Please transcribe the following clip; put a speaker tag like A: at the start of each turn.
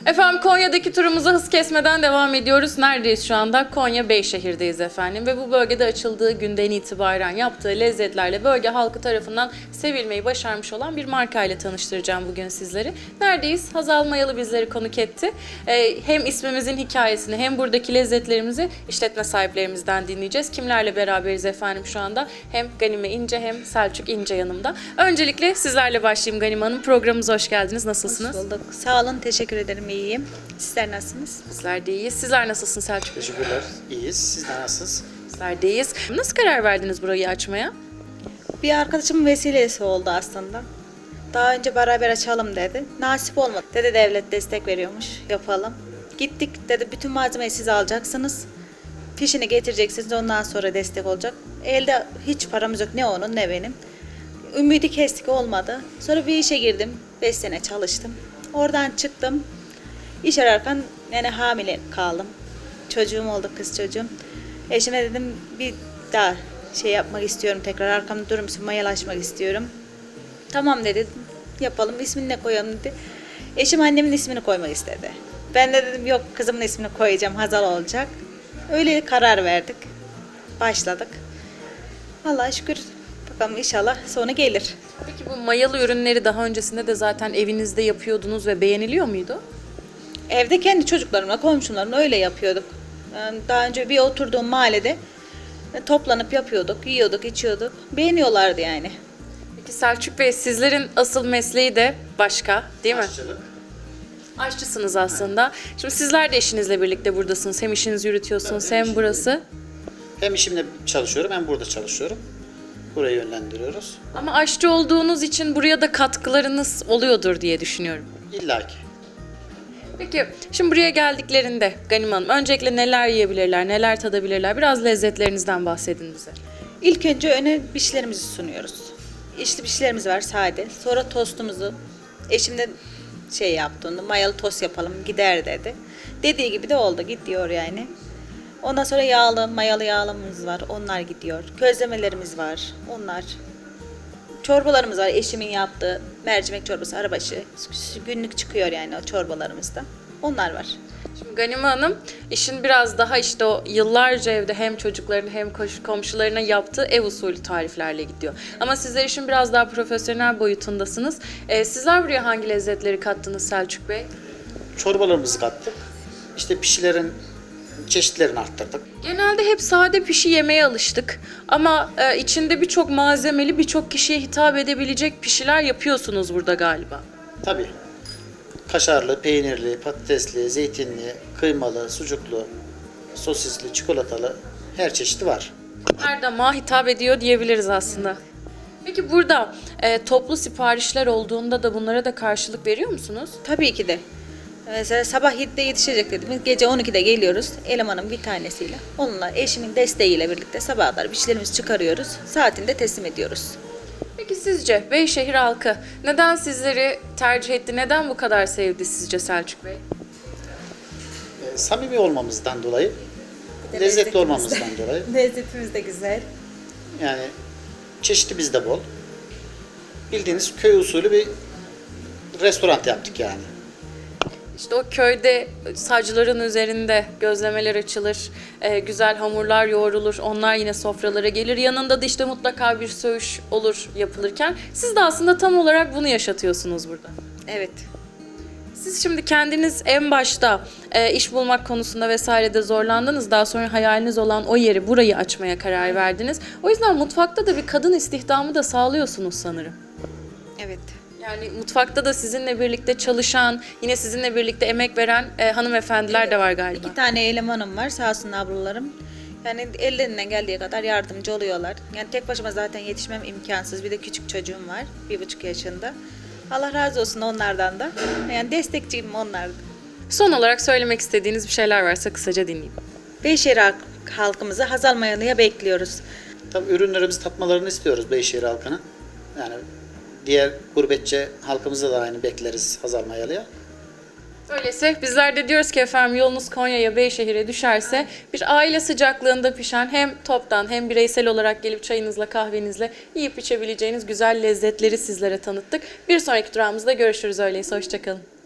A: Efendim Konya'daki turumuza hız kesmeden devam ediyoruz. Neredeyiz şu anda? Konya Beyşehir'deyiz efendim. Ve bu bölgede açıldığı günden itibaren yaptığı lezzetlerle bölge halkı tarafından sevilmeyi başarmış olan bir marka ile tanıştıracağım bugün sizleri. Neredeyiz? Hazal Mayalı bizleri konuk etti. Hem ismimizin hikayesini hem buradaki lezzetlerimizi işletme sahiplerimizden dinleyeceğiz. Kimlerle beraberiz efendim şu anda? Hem Ganime İnce hem Selçuk İnce yanımda. Öncelikle sizlerle başlayayım Ganime Hanım. Programımıza hoş geldiniz. Nasılsınız?
B: Hoş bulduk. Sağ olun, teşekkür ederim. İyiyim. Sizler nasılsınız?
A: Bizler de iyiyiz. Sizler nasılsınız Selçuk Bey?
C: Teşekkürler. İyiyiz. Sizler nasılsınız?
A: Bizler de iyiyiz. Nasıl karar verdiniz burayı açmaya?
B: Bir arkadaşımın vesilesi oldu aslında. Daha önce beraber açalım dedi. Nasip olmadı. Dedi devlet destek veriyormuş. Yapalım. Gittik dedi bütün malzemeyi siz alacaksınız. Fişini getireceksiniz ondan sonra destek olacak. Elde hiç paramız yok ne onun ne benim. Ümidi kestik olmadı. Sonra bir işe girdim. 5 sene çalıştım. Oradan çıktım. İş ararken yani hamile kaldım. Çocuğum oldu, kız çocuğum. Eşime dedim bir daha şey yapmak istiyorum, tekrar arkamda durur musun, mayalaşmak istiyorum. Tamam dedi, yapalım, ismini ne koyalım dedi. Eşim annemin ismini koymak istedi. Ben de dedim yok kızımın ismini koyacağım, Hazal olacak. Öyle karar verdik. Başladık. Allah'a şükür, bakalım inşallah sonu gelir.
A: Peki bu mayalı ürünleri daha öncesinde de zaten evinizde yapıyordunuz ve beğeniliyor muydu?
B: Evde kendi çocuklarımla, komşularımla öyle yapıyorduk. Yani daha önce bir oturduğum mahallede toplanıp yapıyorduk, yiyorduk, içiyorduk. Beğeniyorlardı yani.
A: Peki Selçuk Bey sizlerin asıl mesleği de başka değil mi?
C: Aşçılık.
A: Aşçısınız aslında. Şimdi sizler de eşinizle birlikte buradasınız. Hem işinizi yürütüyorsunuz hem burası.
C: Hem işimde çalışıyorum hem burada çalışıyorum. Burayı yönlendiriyoruz.
A: Ama aşçı olduğunuz için buraya da katkılarınız oluyordur diye düşünüyorum.
C: İlla ki.
A: Peki şimdi buraya geldiklerinde Ganime Hanım öncelikle neler yiyebilirler, neler tadabilirler? Biraz lezzetlerinizden bahsedin bize.
B: İlk önce öne pişlerimizi sunuyoruz. İçli pişlerimiz var sade. Sonra tostumuzu. Eşim de şey yaptı onu, mayalı tost yapalım gider dedi. Dediği gibi de oldu, gidiyor yani. Ondan sonra yağlı, mayalı yağlımız var. Onlar gidiyor. Közlemelerimiz var. Onlar. Çorbalarımız var. Eşimin yaptığı mercimek çorbası, arabaşı. Günlük çıkıyor yani o çorbalarımızda. Onlar var.
A: Şimdi Ganime Hanım işin biraz daha işte o yıllarca evde hem çocuklarına hem komşularına yaptığı ev usulü tariflerle gidiyor. Ama sizler işin biraz daha profesyonel boyutundasınız. Sizler buraya hangi lezzetleri kattınız Selçuk Bey?
C: Çorbalarımızı kattık. İşte pişilerin çeşitlerini arttırdık.
A: Genelde hep sade pişi yemeye alıştık. Ama içinde birçok malzemeli, birçok kişiye hitap edebilecek pişiler yapıyorsunuz burada galiba.
C: Tabii. Kaşarlı, peynirli, patatesli, zeytinli, kıymalı, sucuklu, sosisli, çikolatalı her çeşidi var.
A: Her damağa hitap ediyor diyebiliriz aslında. Peki burada toplu siparişler olduğunda da bunlara da karşılık veriyor musunuz?
B: Tabii ki de. Mesela sabah 7'de yetişecek dedim. Gece 12'de geliyoruz. Elemanın bir tanesiyle. Onunla eşimin desteğiyle birlikte sabaha kadar pişlerimizi çıkarıyoruz. Saatinde teslim ediyoruz.
A: Peki sizce Beyşehir halkı neden sizleri tercih etti? Neden bu kadar sevdi sizce Selçuk Bey?
C: Samimi olmamızdan dolayı,
B: Bir de
C: lezzetli
B: lezzetimiz de-
C: olmamızdan dolayı.
B: Lezzetimiz de güzel.
C: Yani çeşidi bizde bol. Bildiğiniz köy usulü bir restoran yaptık yani.
A: İşte o köyde sacların üzerinde gözlemeler açılır, güzel hamurlar yoğrulur, onlar yine sofralara gelir. Yanında da işte mutlaka bir söğüş olur yapılırken. Siz de aslında tam olarak bunu yaşatıyorsunuz burada.
B: Evet.
A: Siz şimdi kendiniz en başta iş bulmak konusunda vesairede zorlandınız. Daha sonra hayaliniz olan o yeri, burayı açmaya karar verdiniz. O yüzden mutfakta da bir kadın istihdamı da sağlıyorsunuz sanırım.
B: Evet.
A: Yani mutfakta da sizinle birlikte çalışan, yine sizinle birlikte emek veren hanımefendiler de var galiba.
B: 2 tane elemanım var sağ olsun ablalarım. Yani ellerinden geldiği kadar yardımcı oluyorlar. Yani tek başıma zaten yetişmem imkansız. Bir de küçük çocuğum var. 1,5 yaşında. Allah razı olsun onlardan da. Yani destekçiyim onlardan.
A: Son olarak söylemek istediğiniz bir şeyler varsa kısaca dinleyeyim.
B: Beyşehir halkımızı Hazal Mayalı'ya bekliyoruz.
C: Tabii ürünlerimizi tatmalarını istiyoruz Beyşehir halkının. Yani diğer gurbetçi halkımıza da aynı bekleriz Hazal Mayalı'ya.
A: Öyleyse bizler de diyoruz ki efendim yolunuz Konya'ya, Beyşehir'e düşerse bir aile sıcaklığında pişen hem toptan hem bireysel olarak gelip çayınızla kahvenizle yiyip içebileceğiniz güzel lezzetleri sizlere tanıttık. Bir sonraki durağımızda görüşürüz öyleyse. Hoşçakalın.